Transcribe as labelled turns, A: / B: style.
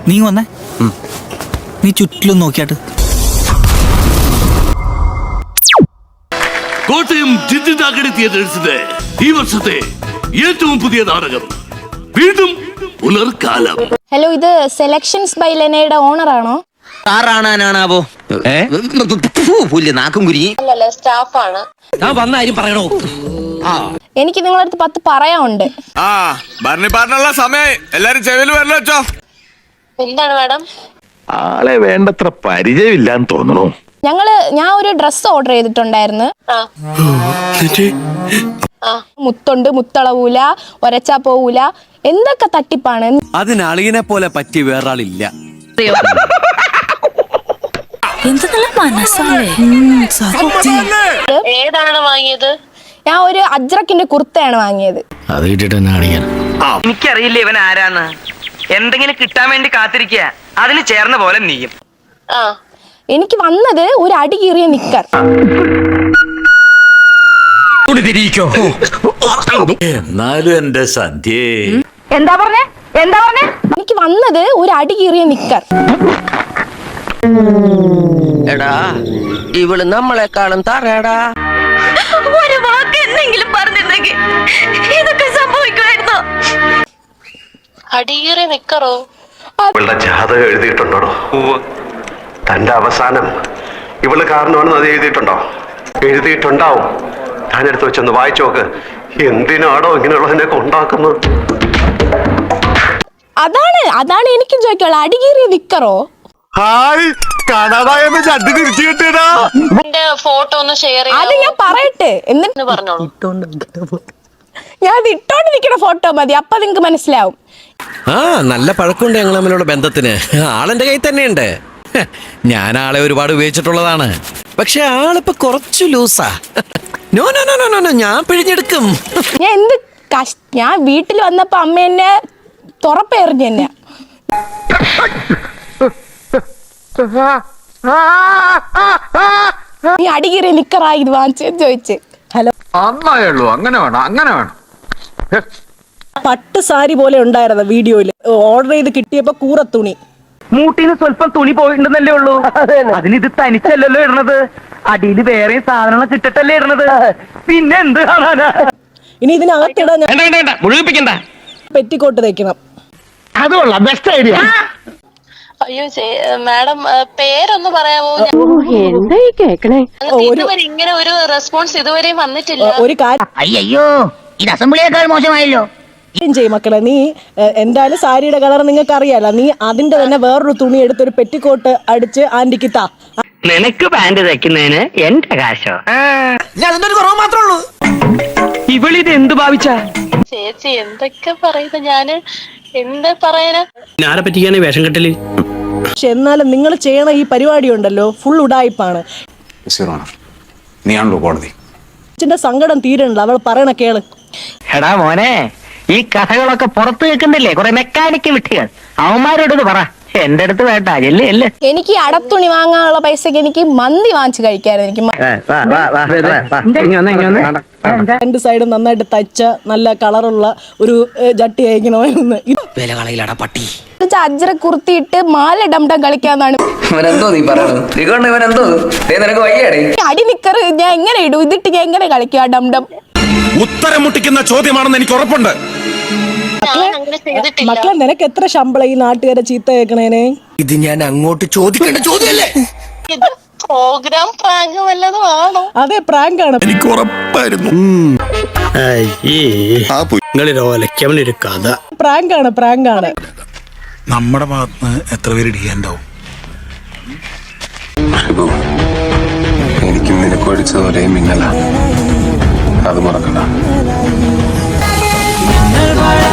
A: നീ വന്നേ, നീ ചുറ്റിലും നോക്കിയാട്ട്.
B: കോട്ടയം ജിദ്ദാഗഡി തിയേറ്റേഴ്സിന്റെ ഈ വർഷത്തെ ഏറ്റവും പുതിയ നാടകം വീണ്ടും പുലർക്കാലം.
C: ഹലോ, ഇത് സെലക്ഷൻസ് ബൈ ലെനയുടെ ഓണറാണോ?
D: ആറാണാനാണാവോ നാക്കും കുരി
C: അല്ലല്ല, സ്റ്റാഫാണ്.
D: ഞാൻ വന്ന കാര്യം പറയണോ?
C: എനിക്ക് നിങ്ങളുടെ അടുത്ത് 10 പറയാനുണ്ട്.
E: പറഞ്ഞുള്ള സമയം എല്ലാരും ചെവിയിൽ വരല്ലോ വെച്ചോ.
C: എന്താണ് മാഡം?
F: ആളെ വേണ്ടത്ര പരിചയമില്ലാന്ന് തോന്നണു.
C: ഞാൻ ഒരു ഡ്രസ് ഓർഡർ ചെയ്തിട്ടുണ്ടായിരുന്നു. മുത്തുണ്ട്, മുത്തളവൂല, ഒരച്ചാ പോവൂല, എന്തൊക്കെ തട്ടിപ്പാണ്.
G: അതിന് അളിയനെ പോലെ പറ്റിയ വേറൊരാളില്ല.
C: ഏതാണ് വാങ്ങിയത്? ഞാൻ ഒരു അജ്രക്കിന്റെ കുർത്തയാണ് വാങ്ങിയത്.
A: അത് കിട്ടിട്ട്
H: എനിക്കറിയില്ല ഇവൻ ആരാന്ന്. എന്തെങ്കിലും കിട്ടാൻ വേണ്ടി കാത്തിരിക്കുക. അതിന് ചേർന്ന പോലെ നീയും.
C: എനിക്ക് വന്നത് ഒരു അടി കീറിയ നിക്കർ.
B: എന്നാലും എന്റെ സന്ധ്യേ,
H: എന്താ പറഞ്ഞേ?
C: എനിക്ക് വന്നത് ഒരു അടി കീറിയ നിക്കർ.
D: എടാ, ഇവള് നമ്മളെക്കാളും തറയടാ.
I: ഒരു വാക്ക് എന്തെങ്കിലും പറഞ്ഞിരുന്നെങ്കിൽ ഇതൊക്കെ സംഭവിക്കുമായിരുന്നോ?
C: അടികീറിയ നിക്കറോ?
F: ഇവളുടെ ജാതകം എഴുതിയിട്ടുണ്ടോ? തന്റെ അവസാനം ഇവള് കാരണമാണെന്ന് അത് എഴുതിയിട്ടുണ്ടോ? എഴുതിയിട്ടുണ്ടാവും. ഞാനെടുത്ത് വെച്ചൊന്ന് വായിച്ചു നോക്ക്. എന്തിനാടോ ഇങ്ങനെയുള്ളതിനൊക്കെ ഉണ്ടാക്കുന്നത്?
C: അതാണ് എനിക്കും ചോദിക്കുള്ള. അടികീറിയ നിക്കറോ?
E: ഹായ്, കാണാതായെന്ന് ചട്ടി തിരിച്ചു കിട്ടിയടാ.
C: ഫോട്ടോ ഒന്ന് ഷെയർ ചെയ്യാം. അത് ഞാൻ പറയട്ടെ എന്നിട്ട് പറഞ്ഞോളൂ. ഞാൻ അത് ഇട്ടോണ്ടിരിക്കുന്ന ഫോട്ടോ മതി, അപ്പൊ നിങ്ങക്ക് മനസ്സിലാവും.
G: നല്ല പഴക്കമുണ്ട് ഞങ്ങൾ തമ്മിലുള്ള ബന്ധത്തിന്. ആളെന്റെ കയ്യിൽ തന്നെയുണ്ട്. ഞാൻ ആളെ ഒരുപാട് ഉപയോഗിച്ചിട്ടുള്ളതാണ്. പക്ഷെ ആളിപ്പോ കുറച്ചു ലൂസാ. No no no no no, ഞാൻ പിഴിഞ്ഞെടുക്കും.
C: ഞാൻ വീട്ടിൽ വന്നപ്പോ അമ്മ എന്നെ തുറപ്പെറിഞ്ഞു തന്നെ. നീ അടികീറിയ നിക്കറായി ഇത് വാങ്ങിച്ചെന്ന് ചോദിച്ച്. ഹലോ,
E: നന്നായുള്ളൂ. അങ്ങനെ വേണം.
J: പട്ട് സാരി പോലെ ഉണ്ടായിരുന്ന വീഡിയോയില് ഓർഡർ ചെയ്ത് കിട്ടിയപ്പോ കൂറത്തുണി.
H: മൂട്ടിന്ന് സ്വല്പം തുണി പോയിട്ടുണ്ടെന്നല്ലേ ഉള്ളൂ. അതിനിത് തനിച്ചല്ലല്ലോ ഇടണത്. അടിയിൽ വേറെ സാധനങ്ങൾ കിട്ടട്ടല്ലേ ഇടണത്. പിന്നെ എന്ത് കാണാനാ?
J: ഇനി ഇതിനകത്തിടാൻ
H: മുഴുകിപ്പിക്കണ്ട.
J: പെറ്റിക്കോട്ട് തയ്ക്കണം.
H: അതുകൊള്ള ബെസ്റ്റ് ഐഡിയ.
C: അയ്യോ മാഡം, പേരൊന്ന് പറയാമോ?
I: എന്തായി കേക്കണേ?
C: ഇങ്ങനെ ഒരു റെസ്പോൺസ് ഇതുവരെയും വന്നിട്ടില്ല.
J: ഒരു കാര്യം
H: അയ്യോ, ഇത് അസംബ്ലിയേക്കാൾ മോശമായല്ലോ.
J: ചെയ്യും മക്കളെ, നീ എന്തായാലും സാരിയുടെ കളർ നിങ്ങൾക്ക് അറിയാലോ. നീ അതിന്റെ തന്നെ വേറൊരു തുണി എടുത്തൊരു പെറ്റിക്കോട്ട് അടിച്ച് ആന്റിക്ക് താ.
H: നിനക്ക് പാന്റ് തയ്ക്കുന്നതിന് എന്റെ കാശോ?
D: അതിനൊരു കുറവ് മാത്രമേ ഉള്ളൂ.
H: ഇവളിത് എന്ത് ഭാവിച്ചാ?
C: ചേച്ചി എന്തൊക്കെ പറയുന്നത്? ഞാന് എന്താ പറയാനാ?
A: ആരെ പറ്റിക്കാണ് വേഷം കെട്ടല്?
J: പക്ഷെ എന്നാലും നിങ്ങൾ ചെയ്യണ ഈ പരിപാടി ഉണ്ടല്ലോ, ഫുൾ ഉടായിപ്പാണ്.
E: നീയാണല്ലോ കോടതി.
J: അച്ഛന്റെ സങ്കടം തീരണില്ല, അവൾ പറയണ കേള്.
H: എടാ മോനെ, ഈ കഥകളൊക്കെ പുറത്ത് കേൾക്കുന്നില്ലേ കുറെ മെക്കാനിക്ക് വിട്ടുകൾ. അവന്മാരോട് പറ, എന്റെ അടുത്ത് വേണ്ട. അല്ലേ
C: എനിക്ക് അടത്തുണി വാങ്ങാനുള്ള പൈസക്ക് എനിക്ക് മന്തി വാങ്ങിച്ചു കഴിക്കായിരുന്നു. എനിക്ക്
J: 2 സൈഡും നന്നായിട്ട് തയ്ച്ച നല്ല കളറുള്ള ഒരു ജട്ടി അയക്കണമായിരുന്നു.
D: വില കളയിലടാ പട്ടി.
C: അജ്ര കുർത്തിയിട്ട് മാല ഡംഡം കളിക്കാന്നാണ്. അടി നിക്കറ് ഞാൻ എങ്ങനെ ഇടും? ഇതിട്ട് ഞാൻ എങ്ങനെ കളിക്കുക ഡംഡം?
E: ഉത്തരം മുട്ടിക്കുന്ന ചോദ്യമാണെന്ന് എനിക്ക് ഉറപ്പുണ്ട്.
J: മക്കളെ, നിനക്ക് എത്ര ശമ്പളം ഈ നാട്ടുകാരെ ചീത്ത കേൾക്കണേനെ?
D: ഇത് ഞാൻ അങ്ങോട്ട് ചോദിക്കേണ്ട ചോദ്യമല്ലേ?
C: പ്രോഗ്രാം പ്രാങ്ക് വല്ലതും ആണോ?
J: അതെ, പ്രാങ്കാണ്.
E: എനിക്ക് ഉറപ്പായിരുന്നു.
A: നിങ്ങളിലൊലക്കവനൊരു കഥ.
J: പ്രാങ്കാണ്.
E: നമ്മുടെ ഭാഗത്ത് എത്ര പേര് ഇടിയാണ്ടാവും?
F: എനിക്കും നിനക്ക് ഒഴിച്ചത് ഒരേ മിന്നല. അത് മറക്കണ്ട.